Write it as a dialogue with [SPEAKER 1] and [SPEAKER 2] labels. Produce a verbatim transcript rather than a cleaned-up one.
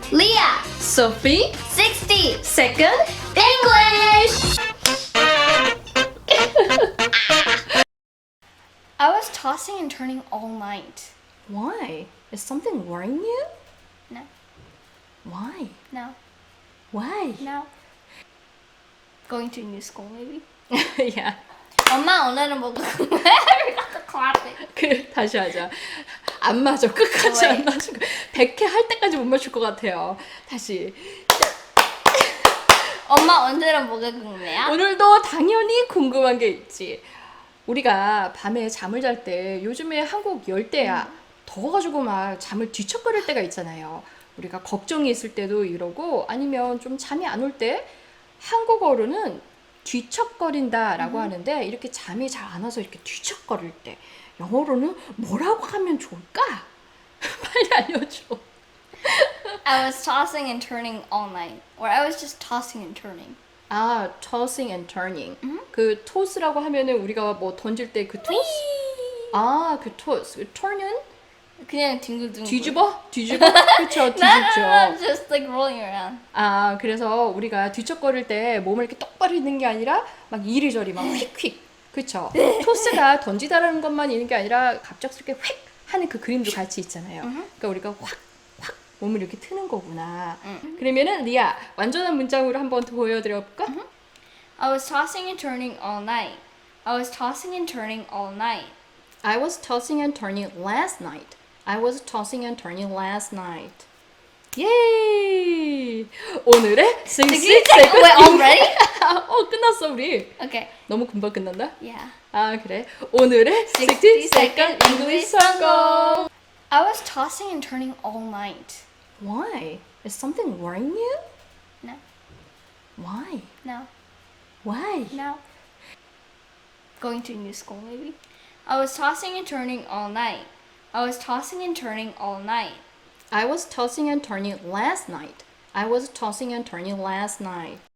[SPEAKER 1] Leah,
[SPEAKER 2] Sophie,
[SPEAKER 1] sixty,
[SPEAKER 2] second.
[SPEAKER 1] English! I was tossing and turning all night.
[SPEAKER 2] Why? Is something worrying you?
[SPEAKER 1] No,
[SPEAKER 2] Why?
[SPEAKER 1] no,
[SPEAKER 2] Why?
[SPEAKER 1] no. Going to a new school, maybe?
[SPEAKER 2] 야,
[SPEAKER 1] 엄마 오늘은 뭐 We got the clapping.
[SPEAKER 2] 그 다시 하자. 안 맞아. 끝까지
[SPEAKER 1] 왜?
[SPEAKER 2] 안 맞아. 백 회 할 때까지 못 맞출 것 같아요. 다시.
[SPEAKER 1] 엄마 오늘은 뭐가 궁금해요?
[SPEAKER 2] 오늘도 당연히 궁금한 게 있지. 우리가 밤에 잠을 잘 때 요즘에 한국 열대야 더워가지고 막 잠을 뒤척거릴 때가 있잖아요. 우리가 걱정이 있을 때도 이러고 아니면 좀 잠이 안 올 때 한국어로는 뒤척거린다라고 하는데 이렇게 잠이 잘 안 와서 이렇게 뒤척거릴 때 영어로는 뭐라고 하면 좋을까? 빨리 알려줘.
[SPEAKER 1] I was tossing and turning all night. Or I was just tossing and turning.
[SPEAKER 2] 아, tossing and turning. 그 toss라고 하면은 우리가 뭐 던질 때 그 toss? 아, 그 toss. 그 turn은
[SPEAKER 1] 그냥 뒹굴뒹굴.
[SPEAKER 2] 뒤집어? 뒤집어? 그쵸,
[SPEAKER 1] No, no, no, no,
[SPEAKER 2] 뒤집죠.
[SPEAKER 1] just like rolling around.
[SPEAKER 2] 아, 그래서 우리가 뒤척거릴 때 몸을 이렇게 똑바로 있는 게 아니라 막 이리저리 막 휙휙. 그쵸? 토스가 던지다라는 것만 있는 게 아니라 갑작스럽게 휙 하는 그 그림도 같이 있잖아요. 그러니까 우리가 확, 확 몸을 이렇게 트는 거구나. 그러면은 리아, 완전한 문장으로 한번 더 보여드려 볼까?
[SPEAKER 1] I was tossing and turning all night. I was tossing and turning all night.
[SPEAKER 2] I was tossing and turning last night. I was tossing and turning last night. 예이! 오늘의 sixty
[SPEAKER 1] Wait,
[SPEAKER 2] second
[SPEAKER 1] already?
[SPEAKER 2] 어, 끝났어, 우리.
[SPEAKER 1] Okay.
[SPEAKER 2] 너무 금방 끝난다?
[SPEAKER 1] Yeah.
[SPEAKER 2] 아, 그래. 오늘의 sixty second English 성공!
[SPEAKER 1] I was tossing and turning all night.
[SPEAKER 2] Why? Is something worrying you?
[SPEAKER 1] No,
[SPEAKER 2] Why?
[SPEAKER 1] no,
[SPEAKER 2] Why?
[SPEAKER 1] no. Going to a new school, maybe? I was tossing and turning all night. I was tossing and turning all night.
[SPEAKER 2] I was tossing and turning last night. I was tossing and turning last night.